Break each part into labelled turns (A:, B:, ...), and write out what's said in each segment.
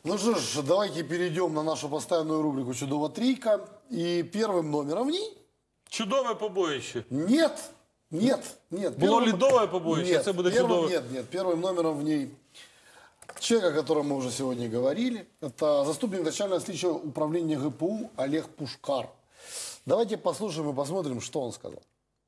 A: Ну что ж, давайте перейдем на нашу постоянную рубрику «Чудова трійка». И первым номером в ней...
B: Чудове побоїще.
A: Нет.
B: Було лідове побоїще,
A: Нет,
B: це буде
A: первым,
B: чудове.
A: нет, первым номером в ней человек, о котором мы уже сегодня говорили, это заступник начального следствия управления ГПУ Олег Пушкар. Давайте послушаем и посмотрим, что он сказал.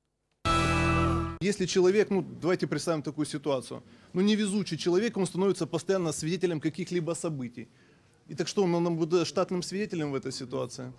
C: Если человек, давайте представим такую ситуацию, невезучий человек, он становится постоянно свидетелем каких-либо событий. И так что, он будет штатным свидетелем в этой ситуации?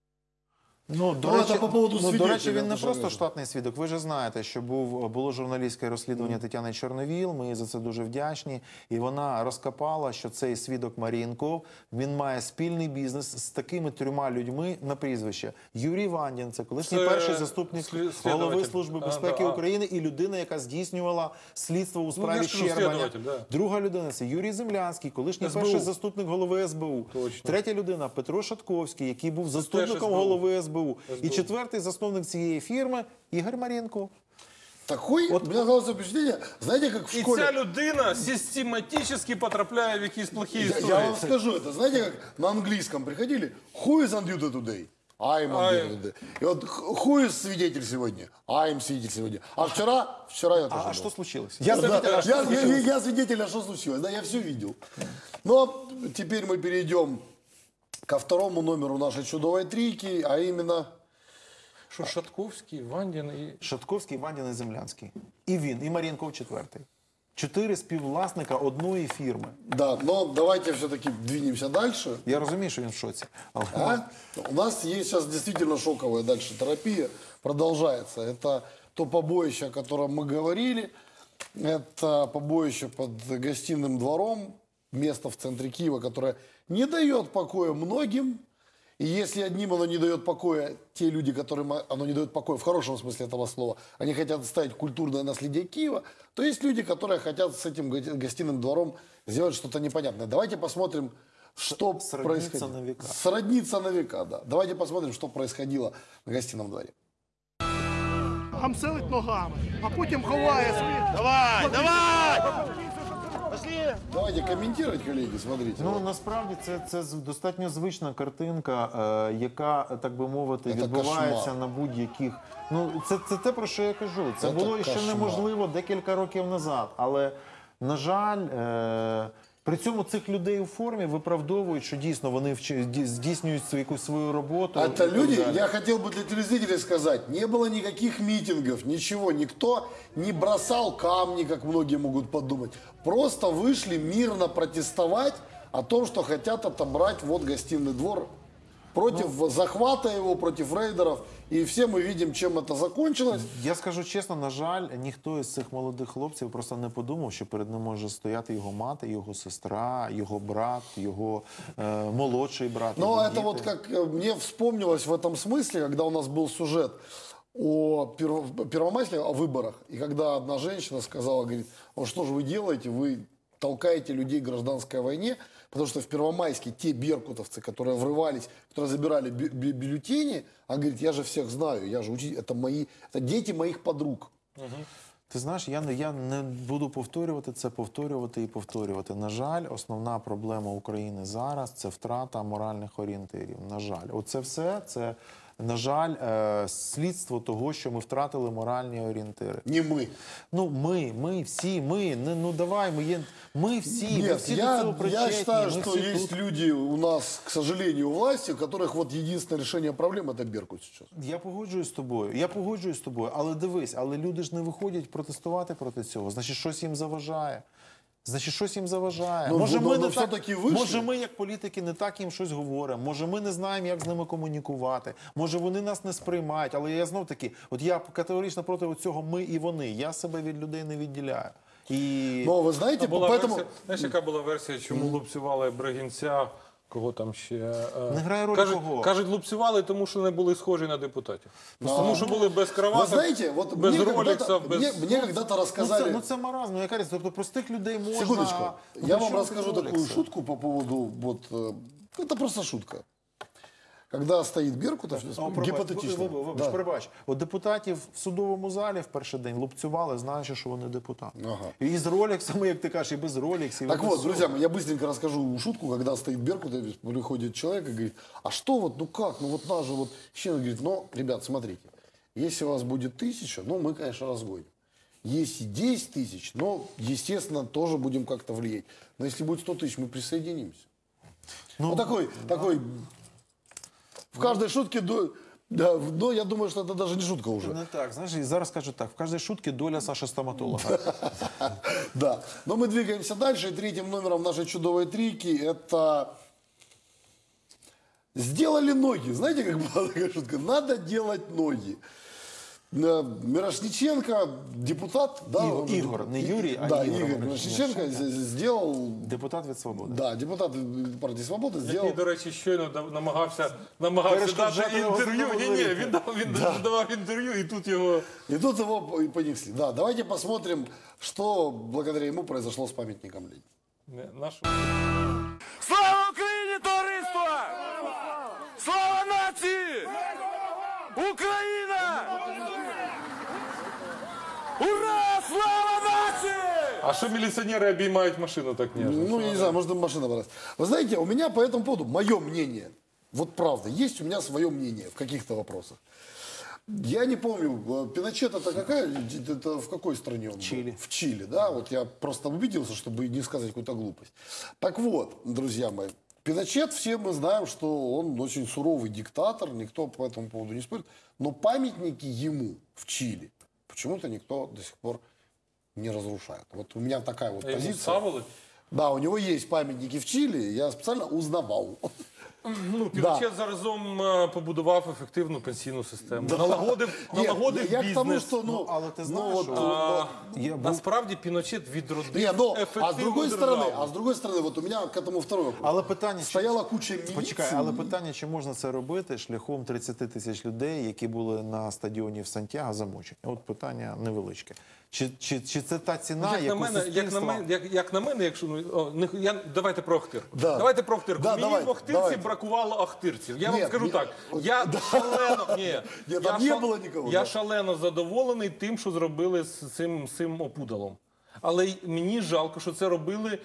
D: До речі, він не просто штатний свідок. Ви ж знаєте, що було журналістське розслідування Тетяни Чорновіл, ми їй за це дуже вдячні. І вона розкопала, що цей свідок Мар'їнков, він має спільний бізнес з такими трьома людьми на прізвище. Юрій Вандін, це колишній перший заступник голови Служби безпеки України і людина, яка здійснювала слідство у справі Щербаня. Друга людина – це Юрій Землянський, колишній перший заступник голови СБУ. Третя людина – Петро Шатковський, який був заступником голови СБУ. І четвертий засновник цієї фірми – Ігор Мар'їнков.
A: Такой, у меня главное впечатление, знаете, как в школе...
B: І ця людина систематично потрапляє в якісь плохі історії.
A: Я вам скажу это, знаете, как на английском приходили, who is on duty today? I'm on duty today. И вот who is свидетель сегодня? I'm свидетель сегодня. А вчера я тоже был.
D: А что случилось?
A: Я свидетель, а что случилось? Да, я все видел. Но теперь мы перейдем ко второму номеру нашей чудовой трійки, а именно...
B: Що Шатковський, Вандін і...
D: Шатковський, Вандін і Землянський. І він, і Мар'їнков четвертий. 4 співвласника одної фірми.
A: Да, но давайте все-таки двинемся дальше.
D: Я розумію, що він в шоці.
A: У нас есть сейчас действительно шоковая дальше терапия. Продолжается. Это то побоище, о котором мы говорили. Это побоище под гостиным двором. Место в центре Киева, которое не дает покоя многим. И если одним оно не дает покоя, те люди, которым оно не дает покоя в хорошем смысле этого слова, они хотят оставить культурное наследие Киева, то есть люди, которые хотят с этим гостиным двором сделать что-то непонятное. Давайте посмотрим, что происходило.
D: На века.
A: Сродниться на века, да. Давайте посмотрим, что происходило на гостином дворе.
E: Гамселить ногами, а потім ховає свій. Давай! Пошли!
A: Давайте комментировать, коллеги, смотрите.
D: Ну, насправді, це достатньо звична картинка, яка, так би мовити, відбувається на будь-яких... Ну, це те, про що я кажу. Це було ще неможливо декілька років назад. Але, на жаль, при цьому цих людей у формі виправдовують, що дійсно вони здійснюють якусь свою роботу.
A: Это люди, я хотел бы для телезрителей сказать, не было никаких митингов, ничего, никто не бросал камни, как многие могут подумать. Просто вышли мирно протестовать о том, что хотят отобрать вот гостиный двор против захвата его, против рейдеров. І всі ми бачимо, чим це закінчилось.
D: Я скажу чесно, на жаль, ніхто із цих молодих хлопців просто не подумав, що перед ним може стояти його мати, його сестра, його брат, його молодший брат.
A: Ну, это вот как мне вспомнилось в этом смысле, когда у нас был сюжет о Первомайске, о выборах, и когда одна женщина сказала, говорит, вот что же вы делаете, вы толкаете людей в гражданской войне, потому что в Первомайске те беркутовцы, которые врывались, которые забирали бюллетени, она говорит, я же всех знаю, я же учитель, это дети моих подруг.
D: Ти знаєш, я не буду повторювати. На жаль, основна проблема України зараз – це втрата моральних орієнтирів. На жаль. Оце все, це, на жаль, слідство того, що ми втратили моральні орієнтири.
A: Не ми.
D: Ну, ми всі, ми всі.
A: Нет, я считаю, что есть люди у нас, к сожалению, у власти, у которых вот единственное решение проблем – это Беркут сейчас.
D: Я погоджуюсь з тобою, але дивись, люди ж не виходять протестувати проти цього, значить щось їм заважає.
A: Ну,
D: може ми, як політики, не так їм щось говоримо, може ми не знаємо, як з ними комунікувати, може вони нас не сприймають, але я знов таки, от я категорично проти цього ми і вони, я себе від людей не відділяю.
A: Ну, ви знаєте,
B: поэтому... Знаєш, яка була версія, чому лупцювали Бригінця, кого там ще...
D: Не грає роль кого.
B: Кажуть, лупцювали, тому що не були схожі на депутатів. Тому що були без краваток, без роліксів, без...
A: Мне когда-то рассказали...
D: Ну це маразм, яка різниця, тобто простих людей можна...
A: Секундочку, я вам расскажу такую шутку по поводу... Это просто шутка. когда стоит Беркутов, гипотетично.
D: Вибач, перебач. От депутатів в судовому залі в перший день лупцювали, знаючи, що вони депутати.
A: Ага.
D: І з роліксами, як ти кажеш, і без роліксів.
A: Так вот, друзья мои, я быстренько расскажу шутку, когда стоит Беркутов, приходит человек и говорит, а что вот, ну как, ну вот нас же вот... Щенок говорит, ну, ребят, смотрите, если у вас будет 1000, ну, мы, конечно, разгоним. Если 10 000, ну, естественно, тоже будем как-то влиять. Но если будет 100 000, мы присоединимся. Ну, вот такой... В каждой шутке... Да, но я думаю, что это даже не шутка уже.
D: Не так, знаєш, і зараз кажуть так, в кожній шутці доля Саши стоматолога.
A: Да, но мы двигаемся дальше. И третьим номером нашей чудовой трійки это... Сделали ноги. Знаете, как была такая шутка? Надо делать ноги. Мирошниченко, депутат, да,
D: Ігор, не Юрій, а
A: да,
D: Ігор
A: Мирошниченко сделал,
D: депутат від «Свободи».
A: да, депутат партії «Свобода» сделал.
B: Який, до речі, щойно намагався дати інтерв'ю. Ні, він давав інтерв'ю, і тут його...
A: И тут его и понесли. Да, давайте посмотрим, что благодаря ему произошло с памятником Ленина.
E: Слава Україні, товариство! Слава нації! Україна! Ура! Слава нації!
B: А що міліціонери обіймають машину так неожиданно?
A: Ну, я не знаю, может, им машина понравилась. Вы знаете, у меня по этому поводу, мое мнение, вот правда, есть у меня свое мнение в каких-то вопросах. Я не помню, Пиночет это какая, это в какой стране он был?
D: Чили.
A: В Чили, да, вот я просто убедился, чтобы не сказать какую-то глупость. Так вот, друзья мои, Пиночет, все мы знаем, что он очень суровый диктатор, никто по этому поводу не спорит, но памятники ему в Чили почему-то никто до сих пор не разрушает. Вот у меня такая вот
B: Йому
A: позиция.
B: ставили?
A: Да, у него есть памятники в Чили, я специально узнавал.
B: Ну, Піночет заразом побудував ефективну пенсійну систему. Налагодив
A: я к тому,
B: бізнес.
A: что, ну,
D: Але ти
A: ну,
D: знаєш,
A: вот,
D: що
B: Насправді Піночет відродив
A: не, ну,
B: ефективну
A: а с другой стороны, вот у меня к этому второй вопрос.
D: Але питання,
A: Стояла куча міліції.
D: Почекай, але питання, чи можна це робити шляхом 30 000 людей, які були на стадіоні в Сантьяго замочені? От питання невеличке. Чи це та ціна, яку суспільство...
B: Як на мене, якщо давайте про Охтирку.
A: Да.
B: Давайте про Охтирку.
A: Да,
B: Мені
A: давайте,
B: в Охтирці
A: давайте.
B: бракувало охтирців. Я вам
A: Ні,
B: скажу
A: ні,
B: так. Я шалено
A: там не було нікого,
B: Я
A: да.
B: шалено задоволений тим, що зробили з цим опудалом. Але мені жалко, що це робили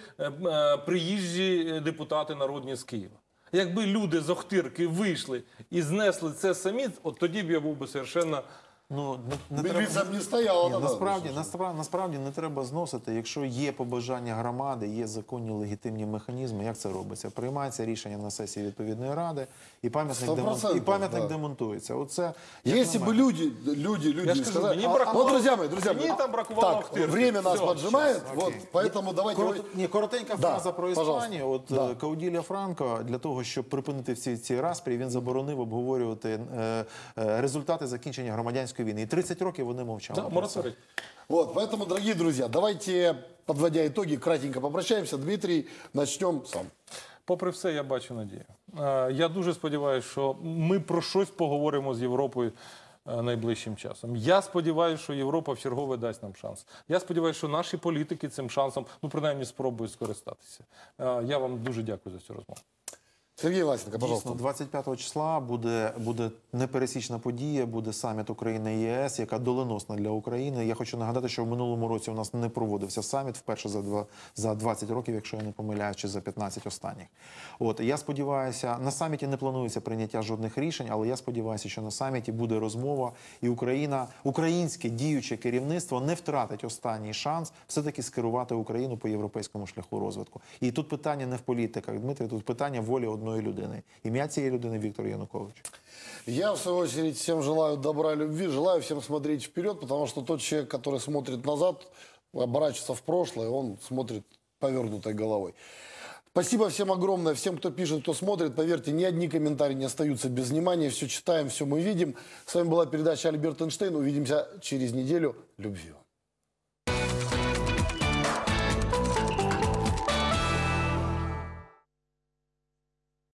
B: приїжджі депутати народні з Києва. Якби люди з Охтирки вийшли і знесли це самі, от тоді б я був би совершенно...
D: Ну, не
A: Міліція б не стояла.
D: Ні, насправді не треба зносити. Якщо є побажання громади, є законні легітимні механізми, як це робиться? Приймається рішення на сесії відповідної ради, і пам'ятник демонтується. Оце,
A: Если бы люди сказали...
B: мені
A: Вот, друзья мои,
B: мені там бракувало
A: так,
B: Охтирки.
A: время нас
B: Все,
A: поджимает, вот, поэтому давайте...
D: Коротенька фраза про
A: пожалуйста.
D: Іспанію. От Кауділля Франко, для того, щоб припинити всі ці распрі, він заборонив обговорювати результати закінчення громадянської війни. І 30 років вони мовчали.
B: Да, мораторій.
A: Вот, поэтому, дорогие друзья, давайте, подводя итоги, кратенько попрощаемся. Дмитрий, начнем сам.
B: Попри все, я бачу надію. Я дуже сподіваюся, що ми про щось поговоримо з Європою найближчим часом. Я сподіваюся, що Європа в чергове дасть нам шанс. Я сподіваюся, що наші політики цим шансом, ну, принаймні, спробують скористатися. Я вам дуже дякую за цю розмову.
A: Сергей Власенко, пожалуйста.
D: Дійсно, 25 числа буде непересічна подія, буде саміт України і ЄС, яка доленосна для України. Я хочу нагадати, що в минулому році у нас не проводився саміт, вперше за 20 років, якщо я не помиляюсь, чи за 15 останніх. От, я сподіваюся, на саміті не планується прийняття жодних рішень, але я сподіваюся, що на саміті буде розмова, і українське діюче керівництво не втратить останній шанс все-таки скерувати Україну по європейському шляху розвитку. І тут питання не в політиках, Дмитрий, тут питання волі одної людини. Ім'я цієї людини Віктор Янукович.
A: Я, в свою очередь, всем желаю добра и любви, желаю всем смотреть вперед, потому что тот человек, который смотрит назад, оборачивается в прошлое, он смотрит повернутой головой. Спасибо всем огромное, всем, кто пишет, кто смотрит. Поверьте, ни одни комментарии не остаются без внимания. Все читаем, все мы видим. С вами была передача «Альберт Эйнштейн». Увидимся через неделю. Любви вам.